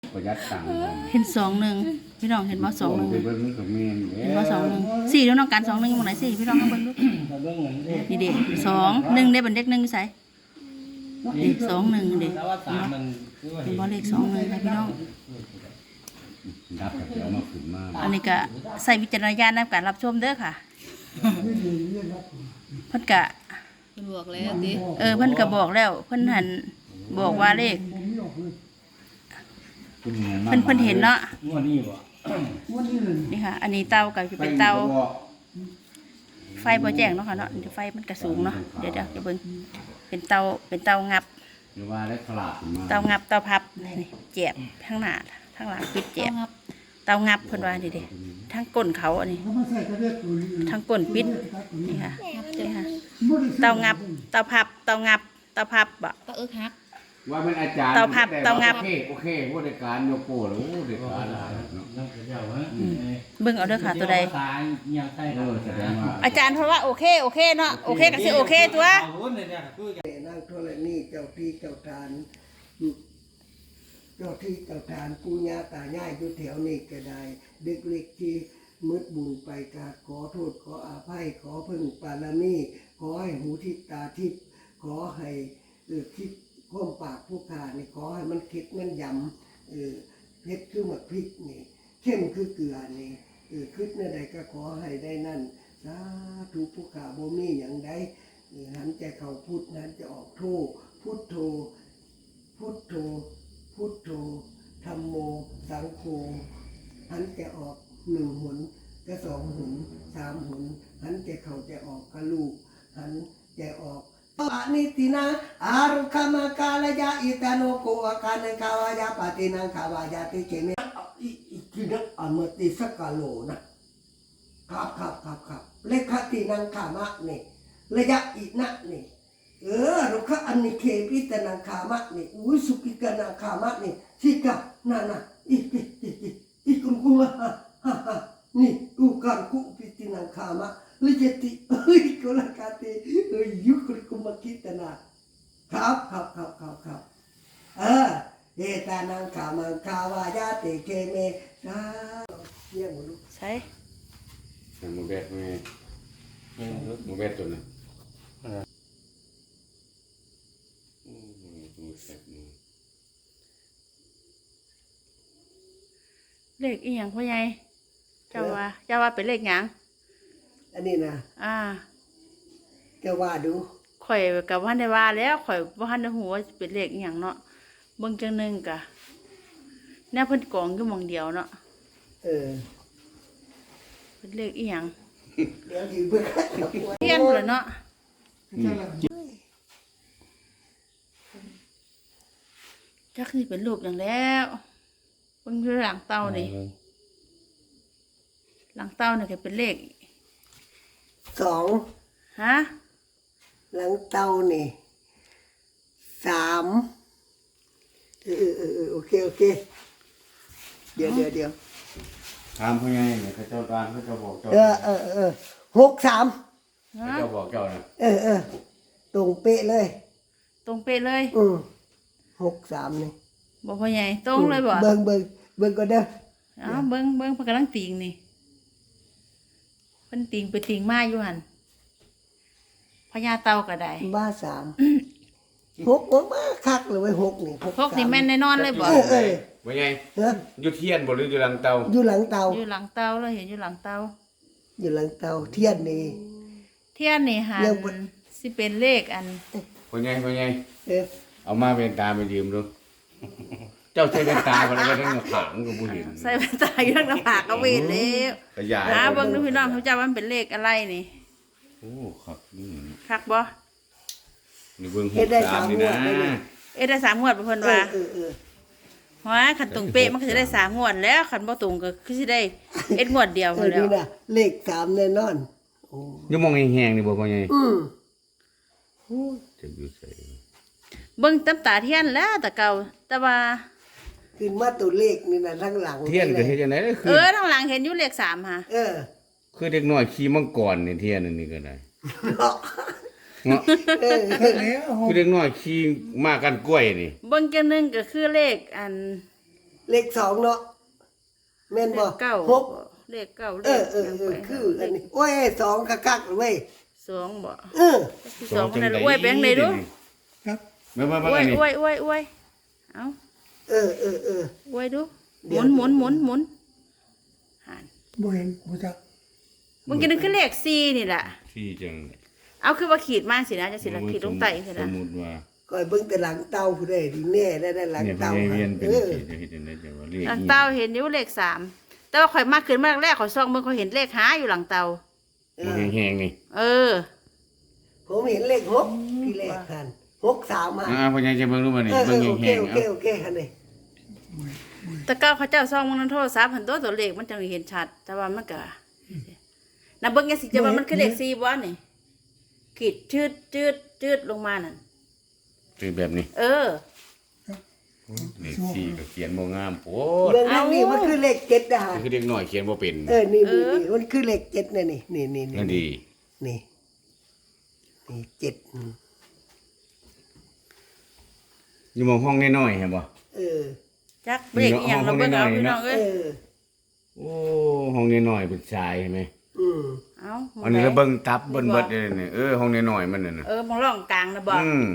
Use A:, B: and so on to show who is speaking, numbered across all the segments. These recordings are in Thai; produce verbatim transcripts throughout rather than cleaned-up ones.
A: ประหยัดตังค์
B: เห็นสองหนึ่งพี่น้องเห็นว่าสองหนึ่ง
A: เบิ่งมันก็แม่น
B: เห็นว่าสองหนึ่งสี่แล้วน้องการสองหนึ่งอยู่ไหนสี่พี่น้องเอาเบิ่งดูนี่เด็กสองหนึ่งได้บันเด็กหนึ่งใส่เด็กสองหนึ่งเด็กเห็นว่าเลขสองหนึ่งค่ะพี่น้อง
A: ดับเดี๋ยวมาขึ้นมา
B: อันนี้ก็ใส่วิจารณญาณในการรับชมเด้อค่ะเพิ่นกะ
C: เพิ่นบอกแล้วติ
B: เออเพิ่นก็บอกแล้วเพิ่นหันบอกว่าเลขเพิ่นเพิ่นเห็นเนาะ
D: งวดนี้บ่
B: นี่ค่ะ อันนี้เตาก็จะเป็นเตาไฟบ่แจ้งเนาะค่ะเนาะไฟมันก็สูงเนาะเดี๋ยวเดี๋ยวเดี๋ยวเบิ่งเป็นเตาเป็นเตางับ
A: หรือว่าได้ขลาดขึ้นมา
B: เตางับเตาพับนี่แจบทั้งหน้าทั้งหลังปิดแจบ
C: ครับ
B: เตางับเพิ่นว่าดิเด้ทั้งก้นเขาอันนี้ทั้งก้นปิดนี่ค่ะนี่ค่ะเตางับเตาพับเตางับเตาพับบ่
C: ก็เอิกฮัก
A: ว่ามันอาจารย์
B: เตาพับเตางับ
A: โอเคโอเคผู้จัดการโยโก้แล้วโอ้เด็กการหลายเนาะ
D: นักเจ้าฮะ
B: เบิ่งเอาเด้อค่ะตัวใด
D: ตายยังใต้
A: เออแสดงว่า
B: อาจารย์เพราะว่าโอเคโอเคเนาะโอเคก็สิโอเคตัว
D: เอาหุ้นเนี่ยคือ
E: นางธรณีเจ้าที่เจ้าทานเจ้าที่เจ้าทานปู่ย่าตายายอยู่แถวนี้ก็ได้ เด็กเล็กที่มืดบุญไปกราบขอโทษขออาภัยขอพึ่งปารามีขอให้หูทิพตาทิพขอให้เออคิดข้อมปากผู้ขานี่ขอให้มันคิดมันยำเออเพชรคือหมดพริกนี่เข้มคือเกลือนี่เออคิดเมื่อใดก็ขอให้ได้นั่นสาธุผู้ขาบ่มีอย่างใด หันใจเข้าพุทธนั้นจะออกโทพุทโธพุทโธพุทโธธัมโมสังโฆหันจะออกหนึ่งหนก็สองหนสามหนหันจะเข้าจะออกกะลูกหันจะออกปานิตินาอารุขมากาลยาอิตาโนโกอาคานกาวายาปตินังขาวายาติเจเมอีอีกินะอมติสกาโลนะครับครับครับครับเลขตินังขามะเนี่ยระยะอีกนักนี่เออเราค่ะอันนี้เคปิตนังขามะนี่อุ้ยสุกิกนังขามะนี่สิกะน่ะน่ะอีอีอีอีอีกุงกุงฮ่าฮ่าฮ่านี่กูกันกูปิตินังขามะลิเจติเอ้ยกุลกาติเอ้ยยุคริกุมกิตนาครับครับครับครับครับเออเอตานังขามังขาวายาติเคเมสาเยี่ยมลูก
B: ใช่
A: หมูแบดแม่หมูแบดตัวนั้นอืมหมูแซ่บนี่
B: เลขอีหยังพ่อใหญ่เจ้าว่าเจ้าว่าเป็นเลขหยัง
E: อันนี้นะ
B: อ่า
E: จะว่าดู
B: ข่อยกับว่าได้ว่าแล้วข่อยบ่ทันได้ฮู้ว่าเป็นเลขอีหยังเนาะเบิ่งจังหนึงกะแนวเพิ่นกองอยู่หม่องเดียวเนาะ
E: เออ
B: เป็นเลขอีหยัง
E: เดี๋ยวอยู่เพื่อน
B: เทียนพุ่นล่ะเนาะจักสิเป็นรูปหยังแล้วเบิ่งอยู่หลังเตานี่หลังเตานี่ก็เป็นเลข
E: สอง
B: ฮะ
E: หลังเตานี่สามเออเออเออเออโอเคโอเคเดี๋ยวเดี๋ยวเดี๋ยว
A: ถามเขาไงเนี่ยเขาเจ้าบ้านเขาเจ้าบอกเจ้า
E: เออเออเออหกสาม
B: ฮะ
A: เขาเจ้าบอกเจ้านะ
E: เออเออตรงเป๊ะเลย
B: ตรงเป๊ะเลย
E: อืมหกสามนี่
B: บ่พ่อใหญ่ตรงเลยบ่
E: เบิ่งเบิ่งเบิ่งก็เด้อ
B: อ้าวเบิ่งเบิ่งเพิ่นกำลังติงนี่เพิ่นติงไปติงมาอยู่หั่นพญาเต่าก็ได้
E: บ้าสามหกโอ้มาคักเลยเว้ยหกนี่หก
B: พวกนี่แม่นแน่นอนเลยบ่
E: เออเออ
A: ว่าไง
E: เออ
A: อยู่เทียนบ่หรืออยู่หลังเตา
E: อยู่หลังเตา
B: อยู่หลังเตาเราเห็นอยู่หลังเตา
E: อยู่หลังเตาเทียนนี่
B: เทียนนี่หั
E: เรื่องบ่
B: นสิเป็นเลขอัน
A: ว่าไงว่าไง
E: เออ
A: เอามาเป็นตาไปยืมดู เจ้าใช้เป็นตาคนละทั้งผางก็บ่เห็น
B: ใส่แว่นตาอยู่ทางหน้าผากก็เวทแล้ว
A: ขยาย
B: หาเบิ่งดูพี่น้องเขาเจ้าว่ามันเป็นเลขอะไรนี่
A: โอ้ครับนี่
B: คักบ่
A: นี่เบิ่งหกสามนี่นะ
B: เอ๊ะได้สามงวดบ่เพิ่น
E: เอ
B: ว่า
E: อเออเออ
B: ว่าคันตรงเป๊ะมันก็สิได้สามงวดแล้วคันบ่ตรงก็คือสิได้เอ็ดงวดเดียว
E: เอ
B: พุ่
E: อน
B: แล้
E: นี่
B: ว
E: นะเลขสามแน่นอนโอ้
A: อยู่มองแห้งๆนี่บ่พ่อใหญ่
E: อืม
A: จะอยู่ใส่
B: เบิ่งตำตาเทียนแล้วแต่เก่าแต่ว่า
E: ขึ้นมาตัวเลขนี่นะทั้งหลัง
A: เทียนก็เฮ็ดจังได๋คื
B: เอ
A: อ
B: อทางหลังเห็นอยู่เลขสามค่ะ
E: เออ
A: คือเด็กน้อยขี่มังกรนี่เทียนอันนี้ก็ได้
E: เนาะ
A: เนาะ
E: เออ
A: คือเด็กน้อยขี่มากันกล้วยนี่
B: เบิ่งจังหนึงก็คือเลขอัน
E: เลขสองเนาะแม่น
B: เล
E: บ่
B: ขเก้า
E: หก
B: เลขเก้าเล
E: เอ
B: ข
E: อเออเออคืออันนี้โอ้ยสองคักๆเลยเว้ย
B: สองบ่
E: เออ
B: สองนั่นอวยแบงค์เลยดู
E: ครับ
A: เมื่อเมื่อ
B: อ
A: เมื่อ
B: วย
A: นี่
B: อวยอวยอวยเอา
E: เออเออเออ
B: อวยดูห
E: เดี๋
B: มุ
E: ยว
B: นหมุนหมุนหมุนหัน
E: บ่เห็นบ่จัก
B: มึงกินคือเลขสี่นี่แหละ
A: ที่จัง
B: เอาคือว่าขีดมาสินะจะสิละขีดลงไตสิ
A: ส
B: นะ
A: มมุติว่า
E: ก่อยเบิ่งแต่หลังเต้าผู้ใดดีแน่ได้ได้หลัง
A: เนี่ยพ
E: เต้า
A: ญาเวียนเป็น
E: เออ
A: ที่จะเฮ็ดจังได๋จังว่าเลข
B: หลัง
A: อี
B: เตาเห็นอยู่เลขสามแต่ว่าข่อยมากขึ้นมาแรกข่อยซองมึงข่อยเห็นเลขหาอยู่หลังเตา
E: เอ
A: มัน
E: อ
A: แห้งๆนี่
B: เออ
E: ผมเห็นเลขหกที่แรกหันหกสามมา
A: อ่าพญาจะเบิ่งดูมานี่
E: เออเอ
A: เบิ่ง
E: อโอเค
A: แห้ง
E: โอ
A: ๆ
E: เค
A: เอา
E: โอเคหันเลย
B: แต่เก้าเขาเจ้าซองมึงนั้นโทรศัพท์หันตัวตัวเลขมันจังเห็นชัด แต่ว่ามันก็น่ะเบิ่งยังสิจะว่ามันคือเลขสี่บ่นี่ขีดชืดจืดจืดลงมานั่น
A: คือแบบนี้
B: เออ
A: เลขสี่ก็เขียนบ่งามโพด
E: เรื่องนั้นนี่มันคือเลขเจ็ดนะฮะ
A: คือเด็กน้อยเขียนบ่เป็น
E: เออนี่นี่นี่มันคือเลขเจ็ดนะนี่นี่นี่
A: นั่นดี
E: นี่นี่เจ็ดอืม
A: อยู่หมองห้องน้อยๆเห็นบ่
E: เออ
B: จักเบรกอหย่างเราเบิ่งเอาพี่น้อง
E: เอ
B: เอ้ย
E: อ
A: โอ้ห้องน้อยๆเป็นชายเห็นไหม
E: อืม
B: เอา
A: อันนี้เราเบิ่งตับเบิ่งเบิดเลยนี่เออห้องน้อยๆมันนั่นน่ะ
B: เออมองร่องกลางนะบ่
A: อืม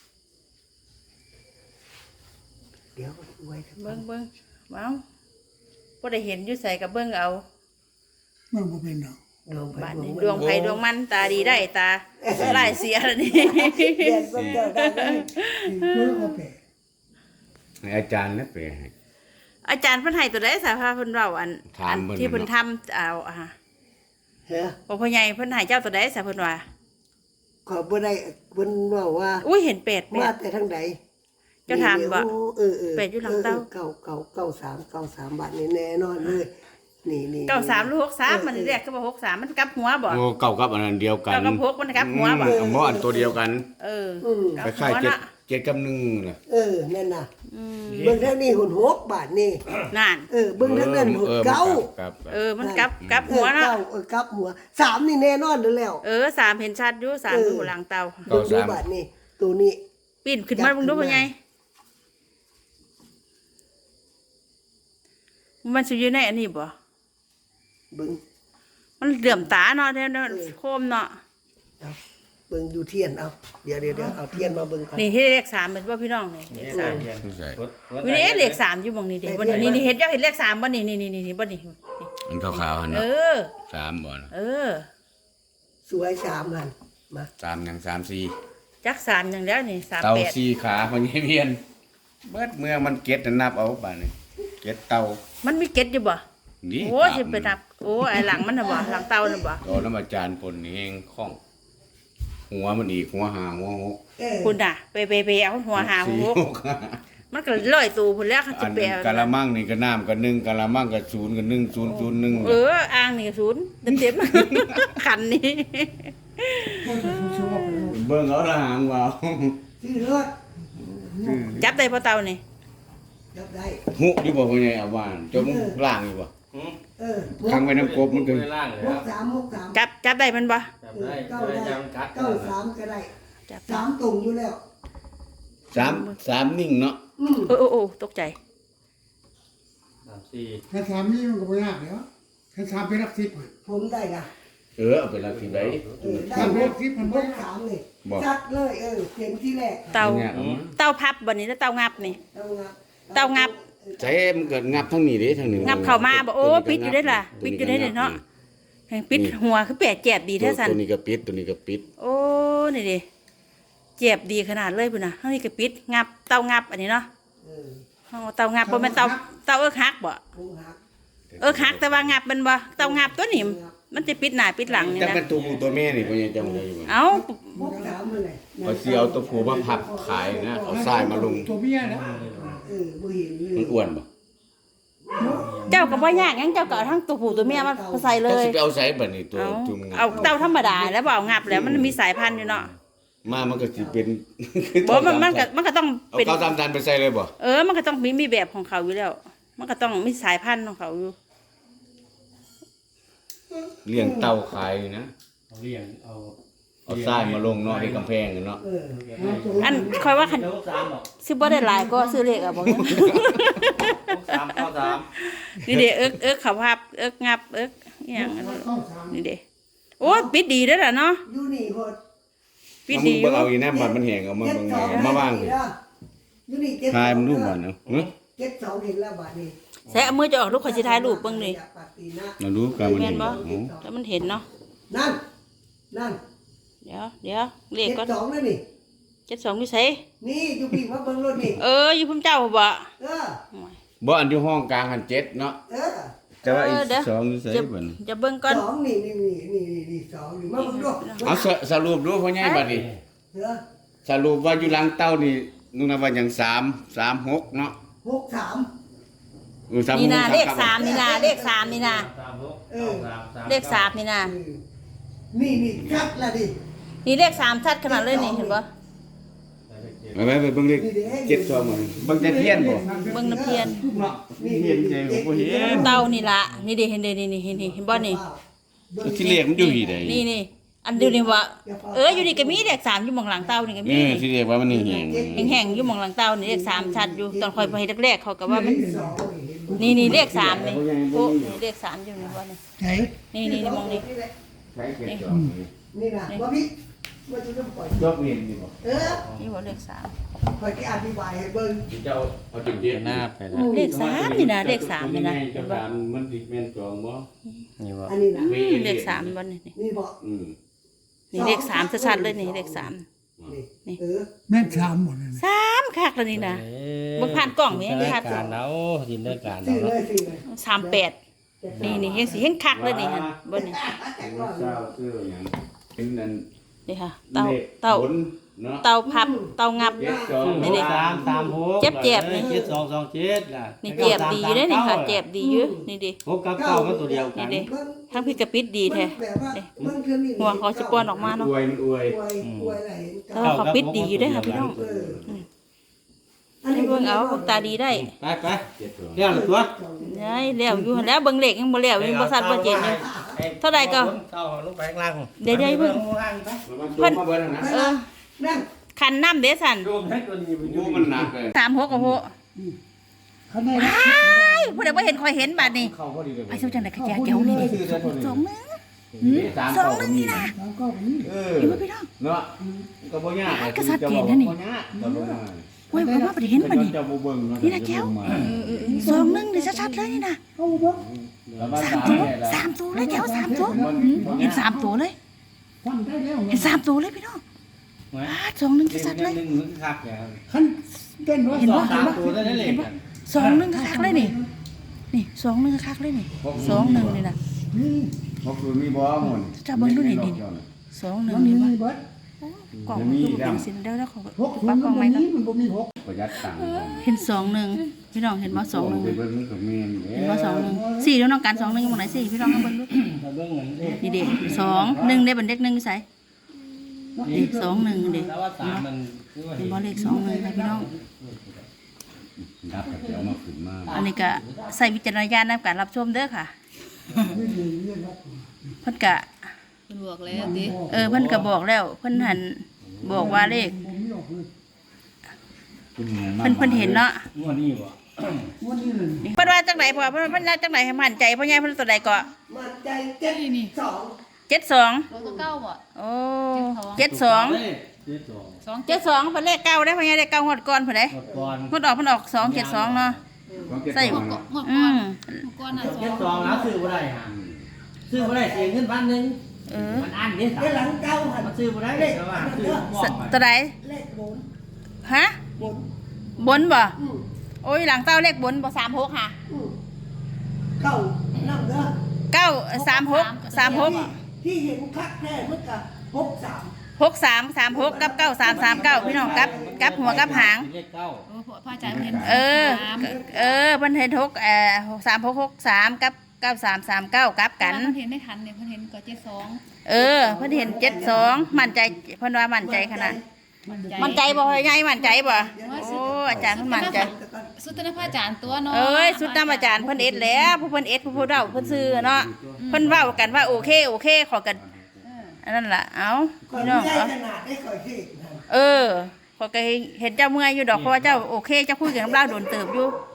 E: เดี๋ยวไว้ครับ
B: เบิ่งเบิ่งเอาบ่ได้เห็นอยู่ใส่กับเบิ่งเอา
E: มันบ่เป็นดอกดวงไฟ
B: บ้าน
E: ดว
B: นี้
E: ง
B: ดวงไผดวงมันตาดีได้ตาลายเสียแล้วนี่
E: เรียนเบิ่งเจ้าได้เลยเบิ่งเอาไป
A: ให้อาจารย์นะไปให้
B: อาจารย์เพิ่นให้ตัวใดสาภาเพิ่นเว้าอัน
A: ถาม
B: อัน
A: เพิ่น
B: ที่เพิ่น
A: เนาะ
B: ทำเอาอ่ะ
E: เฮ้อ
B: บ่พ่อใหญ่เพิ่นให้เจ้าตัวใดสาเพิ่นว่า
E: ขอบ่ได้เพิ่นว่าว่า
B: อุ้ยเห็นเป็ดเป็
E: มา
B: ด
E: แต่ทางใด
B: เจ้าถามบ่
E: นี่เออเออ
B: เป็ดอยู่หลังเต้า
E: เก้าเก้าเก้าสามเก้าสามบาทนี่แน่นอนเลยนี่นี่
B: เก้าสามหรือหกสามมันเรียกก็บ่หกสามมันกลับหัวบ่
A: โอ้เก่ากับอันนั้นเดียวกัน
B: เก้ากับหกมันกลับหัวบ่
A: อืมบ่อันตัวเดียวกัน
B: เออ
E: อืม
B: กลับ
A: คล้าย
B: หัว
A: ๆเจ็ด
B: น่ะ
A: เจ็ดกับหนึ่งน่ะ
E: เออนั่นน่ะ
B: อืม
E: เบิ่งทางนี้หุ่นหกบาทนี่
B: นั่น
E: เออเบิ่งทางนั้นหุ่น
A: ออ
E: เก้า
A: ครับ
B: เออมันกลับกลับหัว
E: เออ
B: น่ะ
E: เก้าเออกลับหัวสามนี่แน่นอนอยู่แล้ว
B: เออสามเห็นชัดอยู่สามอยู่หลังเตา
E: เบิ่งดูบาทนี่ตัวนี้
B: ปีนขึ้นมาเบิ่งดูพ่อใหญ่มันสิอยู่ในอันนี้บ่
E: เบิ่ง
B: มันเหลื่อมตาเนาะเดี๋ยวเดี๋ยวโคมเนาะ
E: เอาเบิ่งดูเทียนเอาเดี๋ยวเดี๋ยวเดี๋ยวเอาเทียนมาเบิ่งก่อน
B: นี่ที่เลขสามเป็นว่าพี่น้องนี่เลขสาม
A: ใช่
B: วินี่เลขสามอยู่บงนี่เด็บ่นี่นี่เห็นเจ้าเห็นเลขสามบ่นี่นี่นี่นี่บ่นี่
A: อันขาวๆหั่น
B: เอ
A: เนาะ
B: อ
A: สามบ่น่ะ
B: เออ
E: สวยสามหันมา
A: สามหยังสามสี่
B: จักสามอย่างแล้วนี่สาม
A: เต่า
B: แปด
A: สี่ขาพญาเวียนเบิดเมื่อมันเก็ดน่ะนับเอาบาดนี้เก็ดเต่า
B: มันมีเก็ดอยู่บ่
A: นี่
B: โอ้ยสิไปนับโอ้ไอ้หลังมันน่ะบ่หลังเตาน่ะบ่
A: ตอนนั้นอาจารย์ปนนี่เองคล่อง หัวมันอีกหัวหางหัวหก
E: เออ
B: คุณน่ะไปไปไปเอาหัวหาหัว
A: สี่
B: หก
A: ห้า
B: มันก็ลอยตูพุ่นแล้วเขา
A: อั
B: สิ
A: น
B: ไป
A: นั้น
B: เอา
A: กะละมังนี่ก็น้ำก็หนึ่งกะละมังก็ศูนย์ก็หนึ่งศูนย์ศูนย์หนึ่ง
B: เอออ่างนี่ก็ศูนย์เต็มๆ คันนี้
A: เบิ่งเอาละหางว่า
E: ชื่อเลือด
B: จับได้พอเตานี่
E: จับได้
A: หุบอยู่บ่พ่อใหญ่อาว่านจมล่างอยู่บ่
E: เออ
A: ขังไว้น้ำกบมันก็
D: ล่างเลย
E: ห
D: ครั
E: ก
D: บ
E: สามหกสาม
B: จับจับได้มันบ่
D: จับได้
E: เก้า
D: ได้
E: ได้
D: ยังกัด
E: เก้าสามก็ได้
B: จับ
E: สามตรงอยู่แล้ว
A: สามสามนิ่งเนาะ
E: อืม
B: โอ้โอ้โอ้ตกใจ
D: สามสี่
C: ถ้าสามนี่มันก็ไม่ยากแล้วถ้าสามเป็นรักสิบอะ
E: ผมได้ละ
A: เออเอาไปละที่ใด
E: เออได้
C: สาม
E: ห
C: เป็น
E: ก
C: รักสิบมัน
E: ห
C: ไม่
E: ก
C: ยาก
E: สามเลย
A: บอก
E: จัดเลยเออเขียนที่แรก
B: เตา
A: เนี่ยเอามา
B: เตาพับบ่นี่แล้วเตางับนี่
E: เอางับ
B: เตางับ
A: ใช้มันเกิดงับทั้งนี้เด้ทั้งนี้
B: งับเข้ามาบ่โอ้ปิดอยู่ได้ล่ะปิดอยู่ได้เนาะให้ปิดหัวคือแปดแจบดี
A: ตัว
B: แท้สัน
A: ตัวนี้ก็ปิดตัวนี้ก็ปิด
B: โอ้นี่ดิเจ็บดีขนาดเลยพุ่นน่ะเฮานี่ก็ปิดงับเตางับอันนี้เนาะ
E: เออ
B: เฮาเตางับบ่แม่นเตาเตาเอิกฮักบ่
E: ผมหัก
B: เอิกฮักแต่ว่างับมันบ่เตางับตัวนี้มันจะปิดหน้าปิดหลังนี่
A: จะ
B: นะ
A: เป็นตัวผู้ตัวแม่นี่พ่อใหญ่จำได้อยู่บ่
B: เอ้า
E: หกสามเลย
A: เอาสิเอาตัวผู้มาพับขายนะเอาทรายมาลง
C: ตัวเมียนะ
E: เออบ่เห็นเล
A: มั
E: ย
A: นอ้วนบ่
B: เจ้าก็บ่ยากหยังเจ้าก็เอาทั้งตัวผู้ตัวเมียมาใส่เล
A: จะ
B: ย
A: สิไปเอาใส่บัดนี้ตัว
B: เอา
A: จุ่ม
B: เอาเตาธรรมดาแล้วบ่เอางับแล้วมันมีสายพันธุ์อยู่เนาะ
A: มามันก็สิเป็น
B: บ่มันมันก็มันก็ต้อง
A: เอา
B: เป็น
A: ข้าวตามตันไปใส่เลยบ่
B: เออ มันก็ต้องมีมีแบบของเขาอยู่แล้ว มันก็ต้องมีสายพันธุ์ของเขาอยู่
A: เลี้ยงเต่าขายอยู่นะ
D: เอาเลี้ยงเอา
A: เอาทรายมาลงเนาะที่กำแพงเนาะ
E: เออ
B: อันคอยว่าคัน
D: เดี๋ยวสามหรอก
B: ซื้อบ่ได้หลายก็ซื้อเลขอ่ะบอกงั้น
D: หกสามเก้าสาม
B: นี่เด้เอิกเอิกเขาภาพเอิกงับเอิกอหย่างอันนั้น
C: เข้าสาม
B: นี่เด้โอ้ปิดดีเด้อล่ะเนาะ
E: อยู่นี่โหด
B: ปิด
A: เอามึ
B: ดี
A: ง
B: อ
A: เบิ่
B: ยู่
A: งเอาอีแนมบัดมันแห้งเอามา
E: เจ็ด
A: เบิ่ง
E: สอง
A: เอามาว่าง
E: อยู่นี่เจ็ด
A: ทายมันรูปบัดเนาะหึ
E: เจ็ดสองเห็นแล้วบัดนี้
B: ใส่เอามือจะออกลูกข่อยสิถ่ายรูปเบิ่งนี่
A: เรารู้กันมัน
B: แม่
A: เห็
B: น
A: น
B: บ่
A: โอ้
B: แล้วมันเห็นเนาะ
E: นั่นนั่น
B: เดี๋ยวเดี๋ยวเลข
E: เจ็ด
B: ก็
E: สองนั่นนี่
B: เจ็ดสองอยู่ไส
E: นี่อยู่พี่ว่าเบิ่งรถนี่
B: เอออยู่พุ่มเจ้าบ่
E: เออ
A: บ่อันที่ห้องกลางหันเจ็ดเนาะ
E: เออ
A: แต่ว่าอีก
B: เออเดี๋ยว
A: สองอยู่ไส
B: จะ
A: บัด
B: จะเบิ่งก่อน
E: สองนี่นี่นี่นี่นี่นี่สองนี่มาเบิ่งดู
A: เอาสสรุปดูพ่อใหญ่บัดนี้
E: เออ
A: สรุปว่าอยู่หลังเต้านี่นุ่งน่ะว่าหยังสาม สาม หกเนาะ
E: หกสาม
A: เออสาม
B: นี่
A: ห
B: นะ
A: ก
B: เลขสามนี่นะเลขสามนี่นะ
D: สามหก
E: เออ
D: สามสาม
B: เลขสามนี่นะ
E: เออนี่นี่ชัดละดิ
B: นี่เลขสามชัดขนาดเลยนี่เห็นบ่
A: ไปไปไปเบิ่งเลขเจ็ดสองมาเบิ่งแต่เทียนบ่
B: เบิ่งน้ำเพียน
A: เนาะเห็นใจผมบ่เห็น
B: เต้านี่ละนี่ดิเห็นเด้นี่นี่เห็นนี่เห็นบ่นี่
A: ที่เลขมันอยู่ที่ใด
B: นี่นี่อันเดียวนี่ว่าเอออยู่นี่ก็มีเลขสามอยู่หมองหลังเต้านี่ก็
A: เอ
B: มี
A: อที่เลขว่ามันแห้ง
B: แห้งๆอยู่หมองหลังเต้านี่เลขสามชัดอยู่ตอนคอยไปแรกๆเขาก็ว่ามัน
E: สองเห็นบ่
B: นี่นี่เลขสามนี่โอ้นี่เลขสามอยู่นี่บ่นี่
C: ไหน
B: นี่นี่นี่มองนี่
A: ใช้เจ็ดสองนี่
E: นี่นะว่าพี่ว่าจะต้องปล่อย
A: จบเห็นนี่บ่
E: เออ
B: นี่ว่าเลขสาม
E: คอยที่อธิบายให้เบิ่ง
A: เจ้าเอาจุดเดียว
D: หน้าไปแล้ว
B: เลขสามนี่นะเลขสามนี่นะ
A: เจ้าการมันสิแม่นจองบ่
D: นี่ว่า
E: อันนี้นะ
B: อืมเลขสามบ่นี่นี่
E: นี่บอก
A: อืม
B: นี่เลขสามชัดๆเลยนี่เลขสาม
E: นี่เออ
C: แม่นสามหมดเลยนะ
B: สามคักแล้วนี่นะเบิ่งผ่านกล้องนี่
D: จิน
B: นี่
D: ต
B: คั
D: นาก การเอาจินตนาการ
E: สี่
D: เอา
E: เลยสี่เลย
B: สามแปดนี่นี่เฮ็ดสิเฮ็ดคักเลยนี่หั่นเบิ่งนี่
E: แต่ก่อน
A: เจ้าซื้อหยังเป็นนั่น
B: นี่ค่ะเต้าเต้า
A: บนเนาะ
B: เต้าพับเต้างับ
A: เจ็ดสอง
B: นี่ดิ
D: สามสามหก
B: เจ็บเจ็บนี่
D: เจ็ดสองสองเจ็ดล่ะ
B: นี่เจ็บดีเด้อนี่ค่ะเจ็บดีอยู่นี่ดิ
D: หกกับเก้ามันตัวเดียวกั
B: นี่
D: น
B: ดิทั้งพี่กระปิดดีแท้
E: แบบว่ามันคือนี่
B: หัวเขาสิป้อนออกมา
A: มัน
B: เนาะ
A: อวยมันอวย
E: อวยอวยอะไรเห็น
B: แต่ว่าเขาปิดดีอยู่เด้อค่ะพี่น้อง
E: เออ
B: ให้เบิ่งเอาพวกตาดีได้
D: ไปไป
A: เจ็ดสอง
D: เรียกหรือตัว
B: ได้แล้วอยู่หั่นแล้วเบิ่งเลขยังบ่แล้วยังบ่ซัดบ่เจ็ดอยู่ เท่าใดก็
D: เท่าลงไปข้างล่าง
B: เดี๋ยวๆเพิ่ง
A: มันจมมาเบิ่งนะ
B: เออ
E: นั่น
B: คันน้ำเด้สั่น
D: โยมให้ตัวนี้ไปอ
A: โอ้
D: ยู่
A: มันหนักเลย
B: สามหกโอ้โห
C: เขาได้
B: อ้ายผู้ใดบ่เห็นคอยเห็นบัดนี้
A: เข้าพอดีเลย
B: ไอ้สู้จังได๋ก็แก่เกี่ยวนี่ดิสองนึง
A: สองนึงนี่นะ
C: แล้วก็นี่
A: เออ
B: อยู่บ่พี่น้อง
A: เนาะก็บ่ยาก
B: ก็สัดเกณฑ์นะนี่
A: บ่ยากก็บ่ยาก
B: โอ้ยผมว่าบ่ได้เห็นบัดนี้
A: เจ้าบ่เบิ่งเา
B: นี่นะแก้ว สองนึงนี่ชัดๆเลยนี่นะ
C: เอาบ่
A: แล้วว่า
B: สามตัวสามตัวเลยแก้วสามตัวอืมเห็นสามตัวเลย
C: ทำได้แล้ว
B: เห็นสามตัวเลยพี่น้องอ้าสองนึงชัดๆเลย
D: หนึ่งมึงคักเนี่ย
C: คันเต้นว่า
B: เห็น
C: สอ
B: บ่
C: ง
D: สามตัวได้เลยกัน
B: สองนึงคักๆเลยนี่ นี่สองนึงคักๆเลยนี่สองนึงนี่นะ
C: นี่
A: บ่คือมีบ่หมุน
B: จะเบิ่งดูนี่นี่ สองนึง
C: มัน
B: นี่
C: มี
B: บ่
C: เบิด
B: กล่องมันคือบ่เป็นสิเดี๋ยวแล้วขอ
C: หกศู
B: ปั
C: น
B: ก
C: ย์
B: กล่อง
C: มั
B: ไว้
C: น
B: ก่อน
C: นี้มันบ่มีหก
A: ประหยัดตังค์
B: เห็นสองนึงพี่น้องเห็นบ่สองนึง
A: ไปเบิ่งมันก็แม่น
B: เห็นบ่สองนึงสี่แล้วน้องการสองนึงอยู่หม้องไหนสี่พี่น้องเอาเบิ่งดู
D: เราเบิ่งเหมือนเด็ก
B: นี่เด็กสองหนึ่งได้บันเด็กหนึ่งใส่เด็กสองหนึ่งเด็ก
D: แล้วว่าสามมันคือว่า
B: เป็นบอลเลขสองหนึ่งค่ะพี่น้อง
A: ดับเดี๋ยวมาขึ้นมา
B: อันนี้ก็ใส่วิจารณญาณในการรับชมเด้อค่ะ
C: นี่นี่นี่ครับ
B: เพิ่นกะ
F: เพิ่นบอกแล้วติ
B: เออเพิ่นก็บอกแล้วเพิ่นหันบอกว่าเลข
C: ผมมีออกเลย
B: เพิ่นเพิ่นเห็นเนาะ
D: งวดนี้บ่
C: วันนี้เลย
B: เพิ่นว่าจังได๋พอเพิ่นเพิ่นว่าจังไดให้มั่นใจพ่อใหญ่เพิ่นตัวใดก็
E: มันใจเจ็ดสอง
B: เจ็ดสอง
F: ตัวก็เก้าบ่
B: โอ้เจ็ดสอง
D: เจ็ดสอง
F: สอง
B: เจ็ดสองเพิ่นเลขเก้าได้พ่อใหญ่เลขเก้าฮอดก่อนเพิ่นได้
D: หมดก่อน
B: ฮอดออกเพิ่นออกสองเจ็ดสองเนาะ ใส่
F: หมดก่อนหมด
B: อื
F: ก่อน
B: ม
F: หมดก่อนน่ะสอ
D: เจ็ด
F: ง
D: สองแล้วซื้อบ่ได้ฮะซื้อบ่ได้เสียเงินพันหนึง
B: เออ
D: มันอันนี้สา
E: เดี๋ยวหลังเก้าหัน
D: มันซื้อบ่ได้แต่ว่าซื้อบ่ไป
B: ตัวใด
E: เลขบน
B: ฮะ
E: บน
B: บนบ่
E: อืม
B: โอ้ยหลังเต้าเลขบนบ่สามหกค่ะ
E: อืมเก้านั่งเด้อ
B: เก้าสามหกสามหก
E: ที่เห็นคักแท้เมื่อกับหกสาม
B: หกสามสามหกกับเก้าสามสามเก้าพี่น้องกับกับหัวกับหาง
D: เลขเก้า
F: เออพ่ออาจารย์เห็น
B: เออ
F: สาม
B: เออเพิ่นเห็นหกเอ่อสามหกหกสามกับเก้าสามสามเก้ากับกัน
F: เพิ่นเห็นได้ทันเนี่ยเพิ่นเห็นก็เจ็ดสอง
B: เออเพิ่นเห็นเจ็ดสองมั่นใจเพิ่นว่ามั่นใจขนาดมั่นใจบ่พ่อใหญ่มั่นใจบ่โอ้อาจารย์เพิ่นมั่นใจ
F: สุดท้ายพระอาจารย์ตัวเนาะ
B: เอ้ยสุดน้ำอาจารย์เพิ่นเอ็ดแล้วผู้เพิ่นเอ็ดผู้ผู้เฒ่าเพิ่นซื้อเนาะเพิ่นเว้ากันว่าโอเคโอเคขอกัน
F: เออ
B: อันนั้นล่ะเอ้า
E: ก่อน
B: พี่น้อง
E: ใหญ่
B: เอา
E: ขนาดได้ก่อยเทศนะ
B: เออขอยก็เห็นเจ้าเมื่อยอยู่ดอกเพราะว่าเจ้าโอเคเจ้าคุยกับน้ำเล่าโดนเติบอยู่
E: เ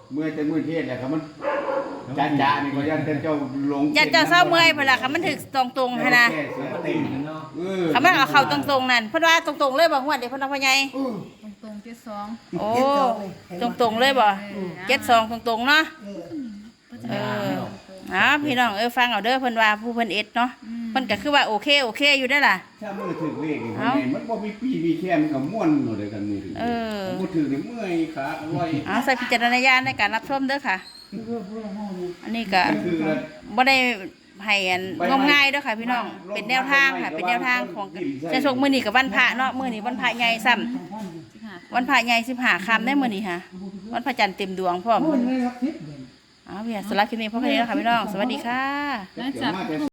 A: เมื่อจะมื้อเทศแหละครับมันจ้าๆนี่ก็ยันเจ้าลง
B: อย่าเจ้าเศร้าเมื่อยเพิ่นล่ะค่ะมันถึกตรงๆหั่นนะ
A: แก้เสียติ่งเนาะเออ
B: เขามันเอาเข้าตรงๆนั่นเพิ่นว่าตรงๆเลยบ่ฮวดเด้เพิ่นว่าพ่อใหญ่
E: อืม
F: ตรงๆเจ็ดสอง
B: โอ้ตรงๆเลยบ่เจ็ดสองตรงๆเนาะ
E: เออ
B: เอออ่าพี่น้องเออฟังเอาเด้อเพิ่นว่าผู้เพิ่นเอ็ดเนาะเพิ่นก็คือว่าโอเคโอเคอยู่ได้อล่ะ
A: ถ้ามือถึงเลขนี่
B: เอ้า
A: มันบ่มีปีมีแค่มันก็ม่วนหมดเลยกันมือถึง
B: เออ
A: บ่ถึงนี่เมื่อยขาอร่อย
B: เอาใส่พิจารณญาณในการรับชมเด้อค่ะ
C: เพื่อเพื่อห้องนี้
B: อันนี้ก็
A: คือ
B: บ่ได้ให้อันงมง่ายเด้อค่ะพี่น้องเป็นแนวทางค่ะเป็นแนวทางของจะชกมื้อนี้กับวันพระเนาะมื้อนี้วันพระใหญ่ซ้ำ
C: ทางท่านอยู่
F: สิบห้า
B: วันพระใหญ่สิบห้าค่ำได้มื้อนี้ค่ะวันพระจันทร์เต็มดวงพร้อม
C: โอ้ยเลยครับทิศเด่น
B: เอาเพี่ยสำหรับคลิปนี้พ่อแค่นี้แล้วค่ะพี่น้องสวัสดีค่ะ
F: หลังจาก